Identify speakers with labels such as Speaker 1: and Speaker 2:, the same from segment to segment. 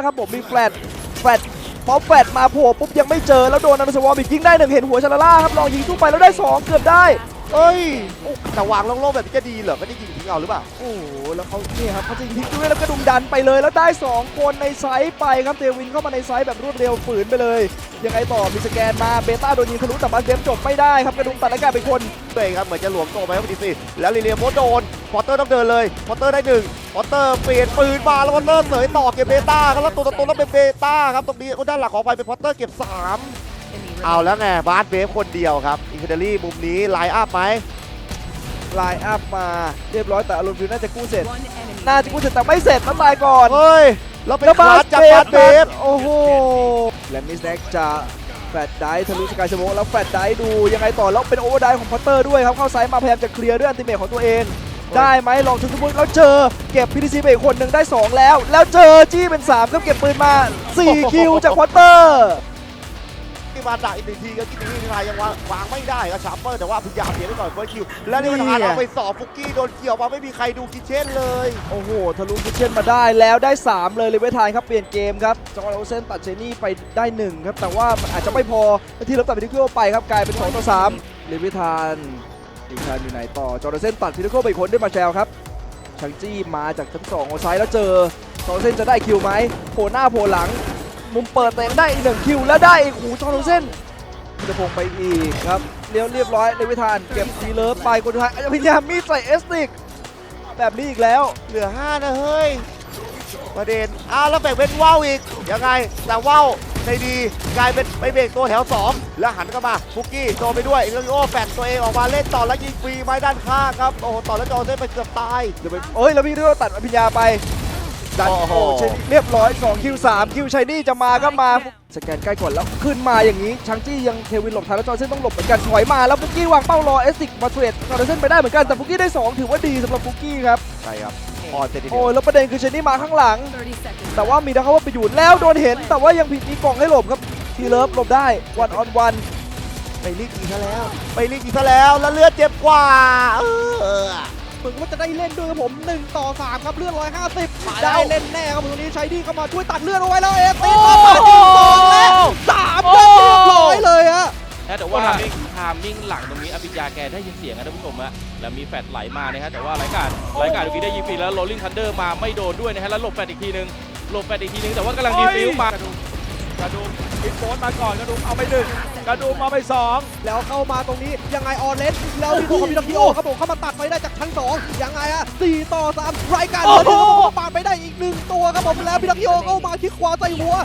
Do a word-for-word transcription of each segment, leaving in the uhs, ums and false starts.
Speaker 1: ครับผมมีแฟลตแฟลตพอแฟลตมาโผล่ปุ๊บยังไม่เจอแล้วโดนนันสวอมอีกยิงได้หนึ่งเห็นหัวชาลาล่าครับลองยิงสู้ไปแล้วได้สองเกือบได้
Speaker 2: เอ้ยแต่วางโล่งๆแบบนี้จะดีเหรอไม่ได้ยิงทิ้งเอาหรือเปล่า
Speaker 1: โอ้โหแล้วเขาเนี่ยครับเขาจะยิงทิ้งด้วยแล้วก็ดุมดันไปเลยแล้วได้สองคนในไซส์ไปครับเทวินเข้ามาในไซส์แบบรวดเร็วฝืนไปเลยยังไงต่อมีสแกนมาเบต้าโดนยิงทะลุแต่บัสเดฟจบไม่ได้ครับกระดุมตัดอากาศเป็นคน
Speaker 2: ตัวเองครับเหมือนจะหลวมตัวไปครับดีสิแล้วลีเลียโมโดนพอตเตอร์ต้องเดินเลยพอตเตอร์ได้หนึ่งพอตเตอร์เปลี่ยนปืนมาแล้วพอตเตอร์เสยต่อเก็บเบต้าครับแล้วตัวตัวแล้วเป็นเบต้าครับตรงนี้ด้านหลังขอไปเป็นพอตเตอร์เก็บสามเอาแล้วไงบาสเวฟคนเดียวครับอินเทอร์ลี่มุมนี้ไลน์อัพไหม
Speaker 1: ไลน์อัพมาเรียบร้อยแต่อารมณ์ฟิวน่าจะกู้เสร็จน่าจะกู้เสร็จแต่ไม่เสร็จต้องตายก่อน
Speaker 2: เฮ้ยเราเป็นคลาสจากบาสเวฟ
Speaker 1: โอ้โหและมิสแน็กจะแฟดไดทะลุสกายสโมกแล้วแฟดไดดูยังไงต่อแล้วเป็นโอเวอร์ไดของพอตเตอร์ด้วยครับเข้าไซส์มาพยายามจะเคลียร์ด้วยอันติเมทของตัวเองได้ไหมลองชุดสมมุติแล้วเจอเก็บพีดีซีไปอีกคนหนึ่งได้สองแล้วแล้วเจอจี้เป็นสามก็เก็บปืนมาสี่คิวจากพอตเตอร์
Speaker 2: ที่มาจากอีกหนึ่งทีก็กินทีไทยยังวางวางไม่ได้ครับชาร์เปอร์แต่ว่าพยายามเสียไปก่อนเฟิร์สคิวแล้วนี่มันทานเอาไปสอบฟุกกี้โดนเกี่ยวมาไม่มีใครดูคิเช่นเลย
Speaker 1: โอ้โหทะลุคิเช่นมาได้แล้วได้สามเลยเลยเวทายครับเปลี่ยนเกมครับจอร์แดนโอเซนตัดเชนี่ไปได้หนึ่งครับแต่ว่าอาจจะไม่พอที่รับตัดพิทิโก้ไปครับกลายเป็นสองต่อสามเลยเวทานอีกทานอยู่ไหนต่อจอร์แดนโอเซนตัดพิทิโก้ไปอีกคนด้วยมาแชลครับชังจี้มาจากชั้นสองเอาซ้ายแล้วเจอจอร์แดนโอเซนจะได้คิวไหมโผล่หน้าโผล่หลังมุมเปิดแต่ได้อีกหนึ่งคิวแล้วได้อีกหูจอร์แดนโอเซนจะพงไปอีกครับเลี้ยวเรียบร้อยเลยเวทานเก็บทีเลิฟไปคนสุดท้ายพยายามมีดใส่เอสติกแบบนี้อีกแล้ว
Speaker 2: เหลือห้านะเฮ้ยประเด็นอ้าวแล้วแบ่งเป็นว่าวอีกยังไงแต่ว่าวในดีกลายเป็นไปเบรกตัวแถวสองแล้วหันเข้ามาฟุกกี้โดนไปด้วยเอลิโอแฝงตัวเองออกมาเล่นต่อแล้วยิงฟรีไม้ด้านข้างครับโอ้โหต่อแล้วจอเส้นไปเกือบตาย
Speaker 1: เดี๋ยวไปเอ้ยแล้วพี่ด้วยตัดอภิญญาไปดันโอ้โหเรียบร้อยสองคิวสามคิวชัยนี่จะมาก็มาสแกนใกล้ก่อนแล้วขึ้นมาอย่างนี้ชังจี้ยังเทวินหลบทันแล้วจอเส้นต้องหลบเหมือนกันถอยมาแล้วฟุกกี้วางเป้ารอเอสติกมาเทรดจอเส้นไปได้เหมือนกันแต่ฟุกกี้ได้สองถือว่าดีสำหรับฟุกกี้ครับ
Speaker 2: ใช่ครับออนเต็ม
Speaker 1: โอ้ยแล้วประเด็นคือชัยนี่มาข้างหลังแต่ว่ามีดักเขาว่าไปอยู่แล้วโดนเห็นแต่ว่ายังผิดมีกล่องให้หลบครับทีเลิฟหลบได้วันออนวัน
Speaker 2: ไปรีบยิงซะแล้วไปรีบยิงซะแล้วแล้วเลือดเจ็บกว่าเออ
Speaker 1: เหมือนว่าจะได้เล่นด้วยครับผมหนึ่งต่อสามครับเลือดหนึ่งร้อยห้าสิบได้เล่นแน่ครับตรงนี้ชัยนี่เข้ามาช่วยตัดเลือดเอาไว้แล้วเอฟตีต่อมายิงสองแล้วสามเรียบร้อยเลยฮะ
Speaker 3: แต่ว่าทามมิ่งหลังตรงนี้อภิญญาแกได้ยินเสียงนะท่านผู้ชมฮะแล้วมีแฟดไหลมานะฮะแต่ว่าไร้การไร้การเมื่อกี้ได้ยิงฟรีแล้วโรลลิ่งทันเดอร์มาไม่โดนด้วยนะฮะแล้วหลบแฟดอีกทีนึงหลบแฟดอีกทีนึงแต่ว่ากำลังดีฟิวม
Speaker 4: กระดุมอินโฟนมาก่อนกระดุมเอาไปหนึ่งกระดุมเอาไปสอง
Speaker 1: แล้วเข้ามาตรงนี้ยังไงออเลสแล้วมีตัวของพิทักษ์โอครับผมเข้ามาตัดไปได้จากชั้นสองยังไงอะสี่ต่อสามรายการเลยครับผมปาดไปได้อีกหนึ่งตัวครับผมแล้วพิทักษ์โอเข้ามาคิกขวาใส่หัว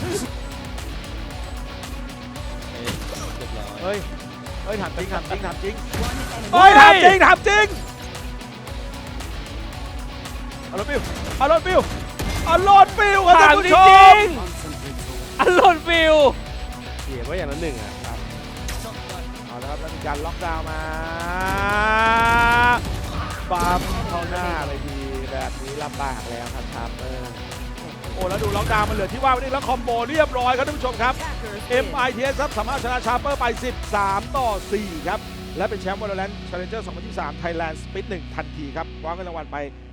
Speaker 4: เฮ้ยเฮ้ยถามจริงถามจริงถามจริงเฮ้ยถามจริงถามจริงอารมณ์ฟิวอารมณ์ฟิวอารมณ์ฟิว
Speaker 3: ถามจริงอารมณ์ฟิว
Speaker 4: เขียนไว้อย่างละหนึ่งอ่ะครับเอาละครับแล้วมีการล็อกดาวน์มาปั๊มเข้าหน้าไปทีแบบนี้ลำบากแล้วครับครับเออโอ้แล้วดูล็อกดาวน์มันเหลือที่ว่าวันนี้แล้วคอมโบเรียบร้อยครับท่านผู้ชมครับ เอ็ม ไอ ที เอส ครับสามารถชนะชาร์เปอร์ไปสิบสามต่อสี่ครับและเป็นแชมป์ Valorant Challenger สองพันยี่สิบสาม Thailand Split หนึ่งทันทีครับคว้าเงินรางวัลไป